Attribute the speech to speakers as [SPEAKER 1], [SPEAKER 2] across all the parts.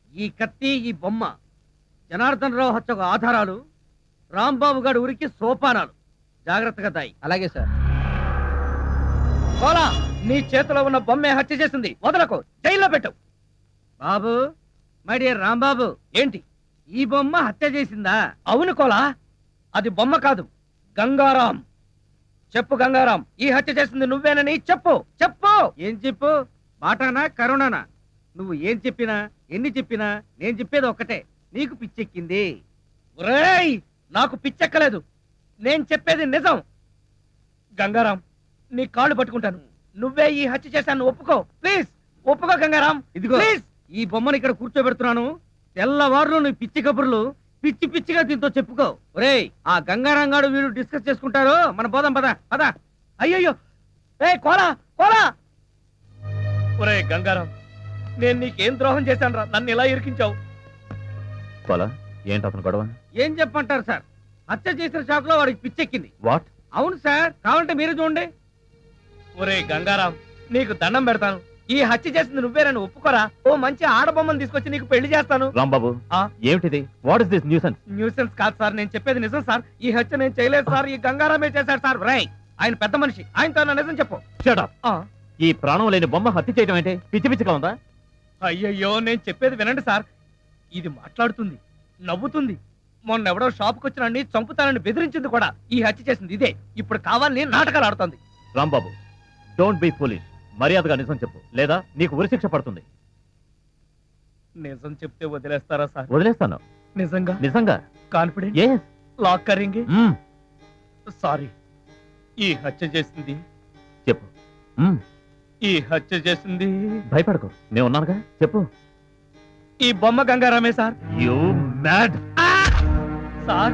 [SPEAKER 1] ఈ కత్తి, ఈ బొమ్మ జనార్దన్ రావు హత్యకు ఆధారాలు, రాంబాబు గారి ఊరికి సోపానాలు. జాగ్రత్తగా దాయి.
[SPEAKER 2] అలాగే సార్.
[SPEAKER 1] కోలా, నీ చేతిలో ఉన్న బొమ్మే హత్య చేసింది. వదలకు, జైల్లో పెట్టు. బాబు, మై డియర్ రాంబాబు, ఏంటి ఈ బొమ్మ హత్య చేసిందా? అవును కోలా, అది బొమ్మ కాదు, గంగారాం. చెప్పు గంగారాం, ఈ హత్య చేసింది నువ్వేనని చెప్పు. చెప్పు. ఏం చెప్పు? మాటానా కరుణానా? నువ్వు ఏం చెప్పినా ఎన్ని చెప్పినా నేను చెప్పేది ఒక్కటే, నీకు పిచ్చెక్కింది. ఒరేయ్, నాకు పిచ్చెక్కలేదు, నేను చెప్పేది నిజం. గంగారాం, నీ కాళ్ళు పట్టుకుంటాను, నువ్వే ఈ హత్య చేశాను ఒప్పుకో. ప్లీజ్ ఒప్పుకో గంగారాం. ఇదిగో ప్లీజ్, ఈ బొమ్మను ఇక్కడ కూర్చోబెడుతున్నాను. తెల్లవారులు నీ పిచ్చి కబుర్లు పిచ్చి పిచ్చిగా దీంతో చెప్పుకో. ఒరేయ్, ఆ గంగారాం గారు వీళ్ళు డిస్కస్ చేసుకుంటారు, మన పోదాం పద పద. అయ్యయ్యో, ఏ కోలా కోలా. ఒరే గంగారాం, నేను నీకేం ద్రోహం చేశాను రా, నన్ను ఇలా ఇరికించావు.
[SPEAKER 3] కోలా, ఏంటి అతను గొడవ?
[SPEAKER 1] ఏం చెప్పంటారు సార్, హత్య చేసిన షాక్ లో వాడికి పిచ్చెక్కింది.
[SPEAKER 3] వాట్?
[SPEAKER 1] అవును సార్, కావాలంటే మీరు చూడండి. ఒరే గంగారాం, నీకు దండం పెడతాను, ఈ హత్య చేసింది నువ్వేనని ఒప్పుకోరా. ఓ మంచి ఆడబొమ్మను తీసుకొచ్చి నీకు పెళ్లి చేస్తాను.
[SPEAKER 3] రాంబాబు, ఏమిటిది? What is this nuisance?
[SPEAKER 1] Nuisance కాదు సార్, నేను చెప్పేది నిజం సార్. ఈ హత్య నేను చేయలేదు సార్, ఈ గంగారామే చేశాడు సార్. రై, ఆయన పెద్ద మనిషి, ఆయనతో నా నిజం చెప్పు.
[SPEAKER 3] Shut up. ఈ ప్రాణం లేని బొమ్మ హత్య చేయడం ఏంటి? పిచ్చి పిచ్చిగా ఉందా?
[SPEAKER 1] అయ్యయ్యో, నేను చెప్పేది వినండి సార్. ఇది మాట్లాడుతుంది, నవ్వుతుంది. మొన్నెవడో షాప్కి వచ్చినండి చంపుతానని బెదిరించింది కూడా. ఈ హత్య చేసింది ఇదే. ఇప్పుడు కావాలని నాటకాలు ఆడుతుంది.
[SPEAKER 3] Rambabu, don't be foolish. మర్యాదగా నిజం చెప్పు, లేదా నీకు ఉరిశిక్ష పడుతుంది.
[SPEAKER 1] నిజం చెప్తే వదిలేస్తారా సార్?
[SPEAKER 3] వదిలేస్తాను.
[SPEAKER 1] నిజంగా?
[SPEAKER 3] నిజంగా.
[SPEAKER 1] కాన్ఫిడెంట్?
[SPEAKER 3] yes.
[SPEAKER 1] లాక్ కరింగి. సారీ, ఈ హత్య చేసింది.
[SPEAKER 3] చెప్పు.
[SPEAKER 1] ఈ హత్య చేసింది.
[SPEAKER 3] భయపడకు, నేను ఉన్నానుగా. చెప్పు.
[SPEAKER 1] ఈ బొమ్మ గంగారామే sir.
[SPEAKER 3] You mad.
[SPEAKER 1] Sir,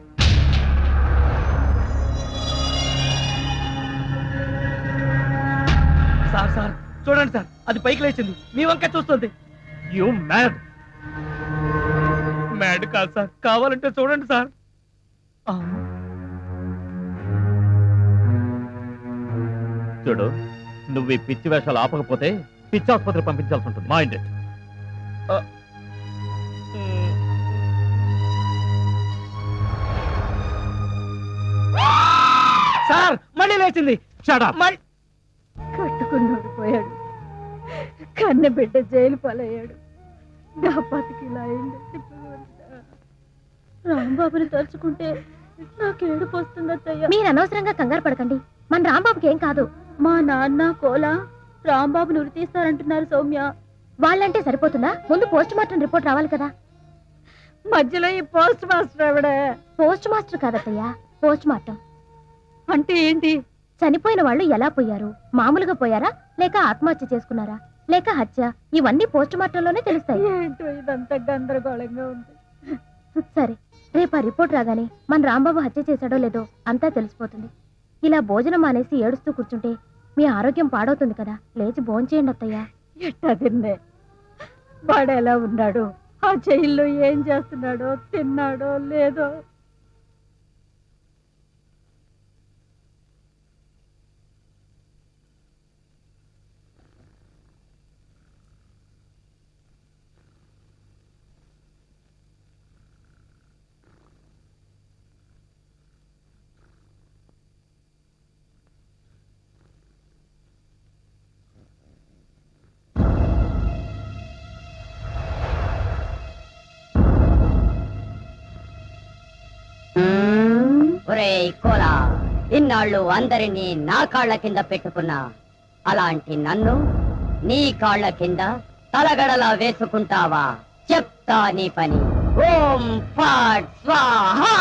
[SPEAKER 1] sir sir చూడండి సార్, అది పైకి లేచింది, మీ వంక చూస్తుంది.
[SPEAKER 3] You mad.
[SPEAKER 1] మ్యాడ్ కాదు సార్, కావాలంటే చూడండి సార్.
[SPEAKER 3] చూడు, నువ్వు ఈ పిచ్చి వేషాలు ఆపకపోతే పిచ్చి ఆసుపత్రి పంపించాల్సి ఉంటుంది. Mind it.
[SPEAKER 1] సార్, మళ్ళీ లేచింది.
[SPEAKER 3] Shut up.
[SPEAKER 4] కట్టుకున్నాడు పోయాడు, కన్న బిడ్డ జైలు పాలయ్యాడు, నా బతికిలా అయింది. రాంబాబుని తలుచుకుంటే నాకేడుపు వస్తుందయ్యా.
[SPEAKER 5] మీరు అనవసరంగా కంగారు పడకండి, మన రాంబాబుకి ఏం కాదు.
[SPEAKER 4] మా నాన్న కోలా రాంబాబుని ఉరి తీస్తారంటున్నారు సౌమ్య.
[SPEAKER 5] వాళ్ళంటే సరిపోతుందా? ముందు పోస్ట్ మార్టం రిపోర్ట్ రావాలి కదా.
[SPEAKER 4] మధ్యలో ఈ పోస్ట్ మాస్టర్ ఆవిడే.
[SPEAKER 5] పోస్ట్ మాస్టర్ కాదత్తయ్యా, పోస్ట్ మార్టం.
[SPEAKER 4] అంటే ఏంటి?
[SPEAKER 5] చనిపోయిన వాళ్ళు ఎలా పోయారు, మామూలుగా పోయారా, లేక ఆత్మహత్య చేసుకున్నారా, లేక హత్య, ఇవన్నీ పోస్ట్ మార్టంలోనే తెలుస్తాయి.
[SPEAKER 4] ఏంటో ఇదంతా గందరగోళంగా ఉంది.
[SPEAKER 5] సరే, రేపు ఆ రిపోర్ట్ రాగానే మన రాంబాబు హత్య చేశాడో లేదో అంతా తెలిసిపోతుంది. ఇలా భోజనం మానేసి ఏడుస్తూ కూర్చుంటే మీ ఆరోగ్యం పాడవుతుంది కదా. లేచి భోంచేయండి అత్తయ్యా.
[SPEAKER 4] ఎట్టా తిన్నే, వాడు ఎలా ఉన్నాడు, ఆ జైల్లో ఏం చేస్తున్నాడో, తిన్నాడో లేదో.
[SPEAKER 6] ఒరేయ్ కోలా, ఇన్నాళ్ళు అందరినీ నా కాళ్ల కింద పెట్టుకున్నా, అలాంటి నన్ను నీ కాళ్ల కింద తలగడలా వేసుకుంటావా? చెప్తా నీ పని. ఓం ఫాట్ స్వాహా.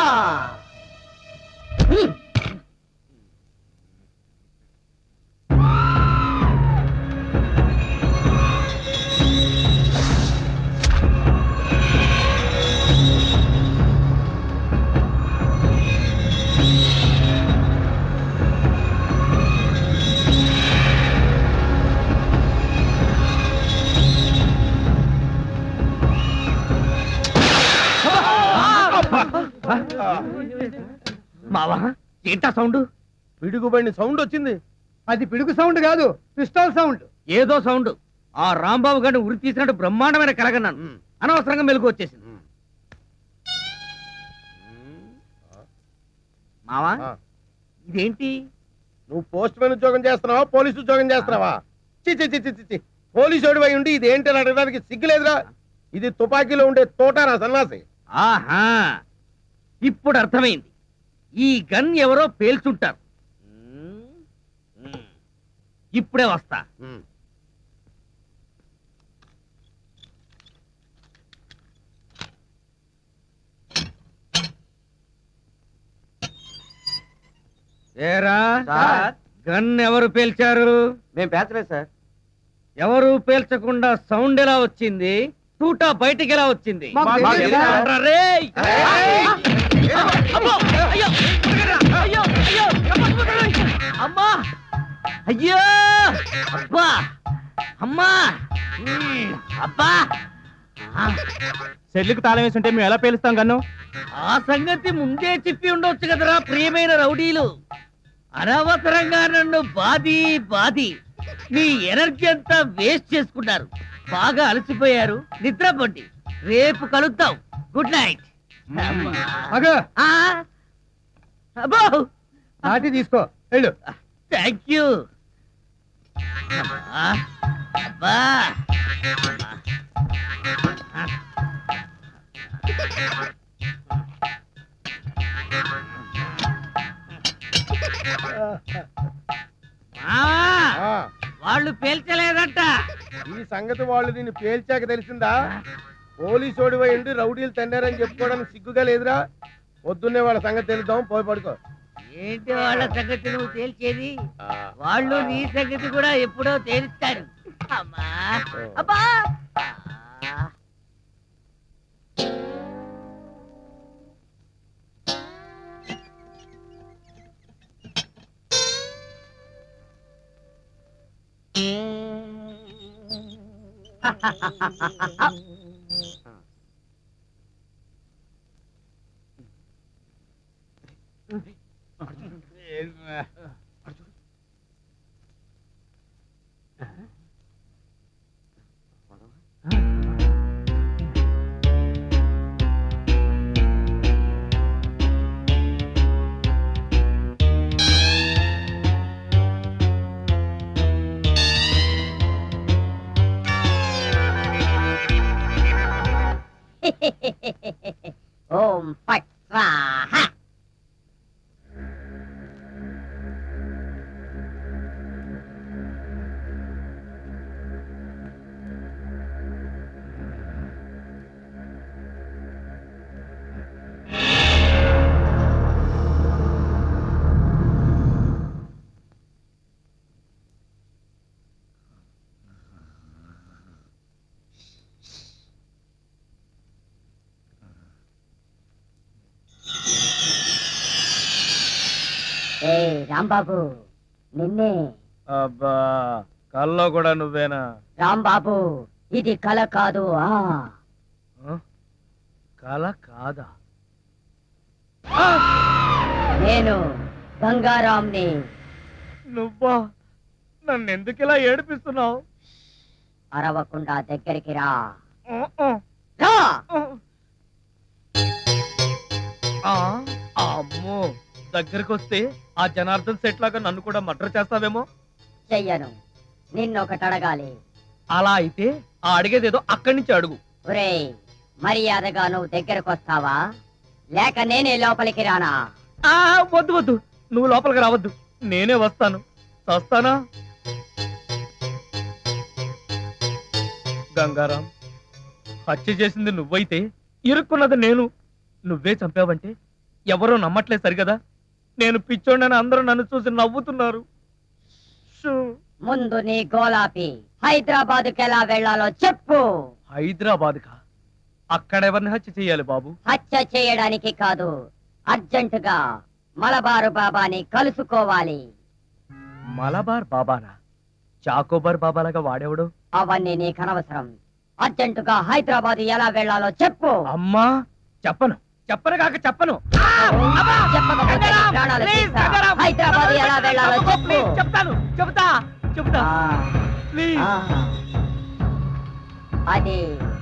[SPEAKER 1] మావా, ఏంటా సౌండ్?
[SPEAKER 2] పిడుగుబడిన సౌండ్ వచ్చింది. అది పిడుగు సౌండ్ కాదు, పిస్టల్ సౌండ్.
[SPEAKER 1] ఏదో సౌండ్. ఆ రాంబాబు గారిని ఉరి తీసినట్టు బ్రహ్మాండమైన కలగన్నాను. అనవసరంగా మెలకు వచ్చేసింది. మావా ఇదేంటి?
[SPEAKER 2] నువ్వు పోస్ట్ మ్యాన్ ఉద్యోగం చేస్తున్నావా, పోలీసు ఉద్యోగం చేస్తున్నావా? చి పోలీసు అయి ఉండి ఇది ఏంటి అని అడగడానికి సిగ్గులేదురా? ఇది తుపాకీలో ఉండే తోటారా సన్నాసి.
[SPEAKER 1] ఆహా, ఇప్పుడు అర్థమైంది. ఈ గన్ ఎవరో పేల్చుంటారు. ఇప్పుడే వస్తా. ఏరా గన్ ఎవరు పేల్చారు?
[SPEAKER 7] మేము పేల్చలేదు సార్.
[SPEAKER 1] ఎవరు పేల్చకుండా సౌండ్ ఎలా వచ్చింది? తూటా బయటికి ఎలా వచ్చింది? రేయ్! అమ్మో! అయ్యో! అయ్యో! అయ్యో! అమ్మా! అయ్యో! అబ్బా! అమ్మా! అబ్బా!
[SPEAKER 3] సెల్లుకు తాళం వేసి ఉంటే మేము ఎలా పేలుస్తాం గన్ను?
[SPEAKER 1] ఆ సంగతి ముందే చెప్పి ఉండొచ్చు కదరా ప్రియమైన రౌడీలు. అనవసరంగా నన్ను బాది మీ ఎనర్జీ అంతా వేస్ట్ చేసుకున్నారు. బాగా అలసిపోయారు, నిద్రపోండి. రేపు కలుద్దాం. Good night. అబ్బో
[SPEAKER 2] నాటి తీసుకో వెళ్ళు.
[SPEAKER 1] Thank you. అబ్బా వాళ్ళు పేల్చలేదంట.
[SPEAKER 2] ఈ సంగతి వాళ్ళు దీన్ని పేల్చాక తెలిసిందా? పోలీసోడి ఉండి రౌడీలు తన్నారని చెప్పుకోవడానికి సిగ్గుగా లేదురా? పొద్దున్నే వాళ్ళ సంగతి తెలుద్దాం, పోయి పడుకో.
[SPEAKER 1] ఏంటి వాళ్ళ సంగతి నువ్వు తేల్చేది? వాళ్ళు నీ సంగతి కూడా ఎప్పుడో తేలుస్తారు. అమ్మా అబ్బా
[SPEAKER 6] ఓం ఫట్ స్వాహా. ఏ రాంబాబు, నిన్నే.
[SPEAKER 3] అబ్బా, కల్లో కూడా నువ్వేనా?
[SPEAKER 6] రాంబాబు, ఇది కల కాదు.
[SPEAKER 3] కల కాదా?
[SPEAKER 6] నేను గంగారాంని.
[SPEAKER 3] నువ్వా? నన్ను ఎందుకు ఇలా ఏడిపిస్తున్నావు?
[SPEAKER 6] అరవకుండా దగ్గరికి రా.
[SPEAKER 3] అమ్మో, దగ్గరికి వస్తే ఆ జనార్దన్ సెట్ లాగా నన్ను కూడా మర్డర్ చేస్తావేమో.
[SPEAKER 6] చెయ్యను, నిన్నొకటి అడగాలి.
[SPEAKER 3] అలా అయితే ఆ అడిగేదేదో అక్కడి నుంచి అడుగు.
[SPEAKER 6] ఒరేయ్, మర్యాదగా నువ్వు దగ్గరకు వస్తావా, లేక నేనే లోపలికి రానా?
[SPEAKER 3] వద్దు వద్దు, నువ్వు లోపలికి రావద్దు, నేనే వస్తాను. వస్తానా? గంగారాం, హత్య చేసింది నువ్వైతే ఇరుక్కున్నది నేను. నువ్వే చంపావంటే ఎవరో నమ్మట్లేదు సరిగదా? నేను పిచ్చోడని అందరూ నన్ను చూసి నవ్వుతున్నారు.
[SPEAKER 6] ముందు నీ గోలాపి హైదరాబాద్కి ఎలా వెళ్లాలో చెప్పు.
[SPEAKER 3] హైదరాబాద్కా? అక్కడ ఎవరిని హత్య చేయాలి బాబు?
[SPEAKER 6] హత్య చేయడానికి కాదు, అర్జెంటుగా మలబారు బాబాని కలుసుకోవాలి.
[SPEAKER 3] మలబార్ బాబానా? చాకోబార్ బాబాలాగా వాడేవాడు?
[SPEAKER 6] అవన్నీ నీకు అనవసరం. అర్జెంటుగా హైదరాబాద్ ఎలా వెళ్లాలో చెప్పు.
[SPEAKER 3] అమ్మా, చెప్పను కాక చెప్పను.
[SPEAKER 6] చెప్పకపోతే నీ ప్రాణాలు తీస్తా. హైదరాబాద్ ఎలా వెళ్లాలో చెప్పు.
[SPEAKER 3] చెప్తా.
[SPEAKER 6] అది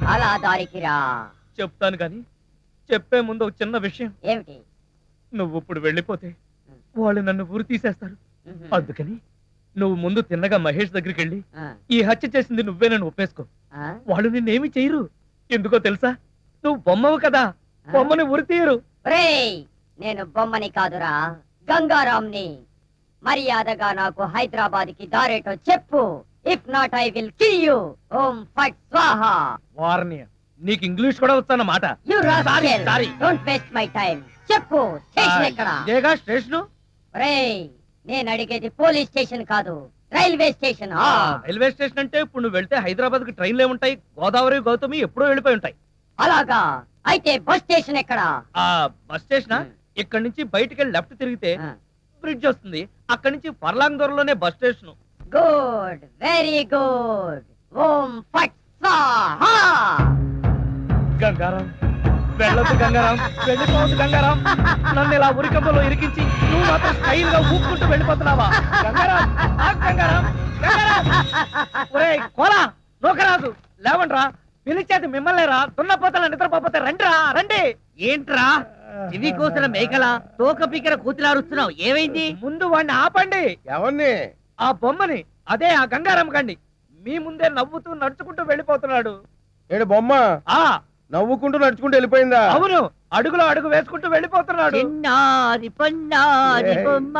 [SPEAKER 6] అలా దారికి రా.
[SPEAKER 3] చెప్తాను గాని చెప్పే ముందు ఒక చిన్న విషయం.
[SPEAKER 6] ఏమిటి?
[SPEAKER 3] నువ్వు ఇప్పుడు వెళ్ళిపోతే వాళ్ళు నన్ను ఊరు తీసేస్తారు.
[SPEAKER 6] మ్మ్.
[SPEAKER 3] అందుకని నువ్వు ముందు తిన్నగా మహేష్ దగ్గరికి వెళ్ళి
[SPEAKER 6] ఆ,
[SPEAKER 3] ఈ హత్య చేసింది నువ్వేనని ఒప్పేసుకో.
[SPEAKER 6] ఆ,
[SPEAKER 3] వాళ్ళు నిన్నేమి చేయరు. ఎందుకో తెలుసా? నువ్వు బొమ్మవు కదా, బొమ్మని ఉరి తీయరు.
[SPEAKER 6] ఒరేయ్, నేను బొమ్మని కాదురా, గంగారాంని. మర్యాదగా నాకు హైదరాబాద్ కి దారేటో చెప్పు. If not I will kill you. ఓం ఫట్ స్వాహా.
[SPEAKER 3] వార్నియ, నీకు ఇంగ్లీష్ కూడా వస్తానమాట.
[SPEAKER 6] You rascal,
[SPEAKER 3] sorry.
[SPEAKER 6] Don't waste my time. చెప్పు, స్టేషన్ ఎక్కడ?
[SPEAKER 3] ఇదేగా స్టేషను.
[SPEAKER 6] ఒరేయ్, నేను అడిగేది పోలీస్ స్టేషన్ కాదు, రైల్వే స్టేషన్.
[SPEAKER 3] రైల్వే స్టేషన్ అంటే ఇప్పుడు నువ్వు వెళ్తే హైదరాబాద్ కి ట్రైన్లే ఉంటాయి. గోదావరి గౌతమి ఎప్పుడో వెళ్ళిపోయి ఉంటాయి.
[SPEAKER 6] అలాగా? అయితే బస్ స్టేషన్ ఎక్కడ?
[SPEAKER 3] ఆ బస్ స్టేషన్ ఇక్కడ నుంచి బయటికి వెళ్ళి లెఫ్ట్ తిరిగితే బ్రిడ్జ్ వస్తుంది. అక్కడి నుంచి ఫర్లాంగ్ దూరంలోనే bus station.
[SPEAKER 6] Good, very good. ఓం ఫట్ స్వాహా.
[SPEAKER 3] గంగారాం, వెళ్ళొద్దు గంగారాం, వెళ్ళిపోవద్దు గంగారాం. నన్ను ఇలా ఉరికంపలో ఇరికించి నువ్వు మాత్రం స్టైల్ గా ఊపుకుంటూ వెళ్ళిపోతున్నావా? గంగారాం, ఆగు గంగారాం, గంగారాం. ఒరేయ్ కోలా, నూకరాజు, లేవండ్రా. పిలిచేది మిమ్మల్నేరా, దున్నపోతల నిద్రపోతే రండిరా, రండి.
[SPEAKER 1] ఏంట్రా ఇవి కోసిన మేకల తోక పీకర కూతులారుస్తున్నావు? ఏమైంది?
[SPEAKER 3] ముందు వాడిని ఆపండి.
[SPEAKER 2] ఎవరిని?
[SPEAKER 3] ఆ బొమ్మని, అదే ఆ గంగారాం కండి. మీ ముందే నవ్వుతూ నడుచుకుంటూ వెళ్ళిపోతున్నాడు.
[SPEAKER 2] ఏడు బొమ్మ
[SPEAKER 3] ఆ
[SPEAKER 2] నవ్వుకుంటూ నడుచుకుంటూ వెళ్ళిపోయిందా?
[SPEAKER 3] అవును, అడుగులో అడుగు వేసుకుంటూ వెళ్ళిపోతున్నాడు.
[SPEAKER 1] చిన్నారి పొన్నారి బొమ్మ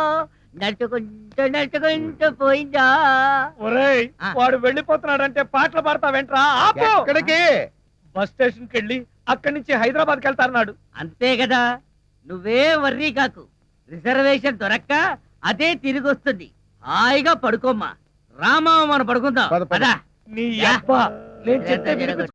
[SPEAKER 1] నడుచుకుంటూ పోయిందా?
[SPEAKER 3] ఒరేయ్,
[SPEAKER 1] ఆ.
[SPEAKER 3] వాడు వెళ్ళిపోతున్నాడంటే పాటలు పాడతా వెంట్రా. ఆపు.
[SPEAKER 2] ఎక్కడికి?
[SPEAKER 3] బస్ స్టేషన్ కి వెళ్ళి అక్కడి నుంచి హైదరాబాద్ కి వెళ్తారన్నాడు.
[SPEAKER 1] అంతే కదా, నువ్వే వర్రీ కాకు. రిజర్వేషన్ దొరక్క అదే తిరిగి వస్తుంది. హాయిగా పడుకోమ్మా. రామా, మనం పడుకుందాం.
[SPEAKER 2] పద, పద.
[SPEAKER 1] పద.
[SPEAKER 3] నీ అబ్బా, నేను చెప్తే వినిపించు.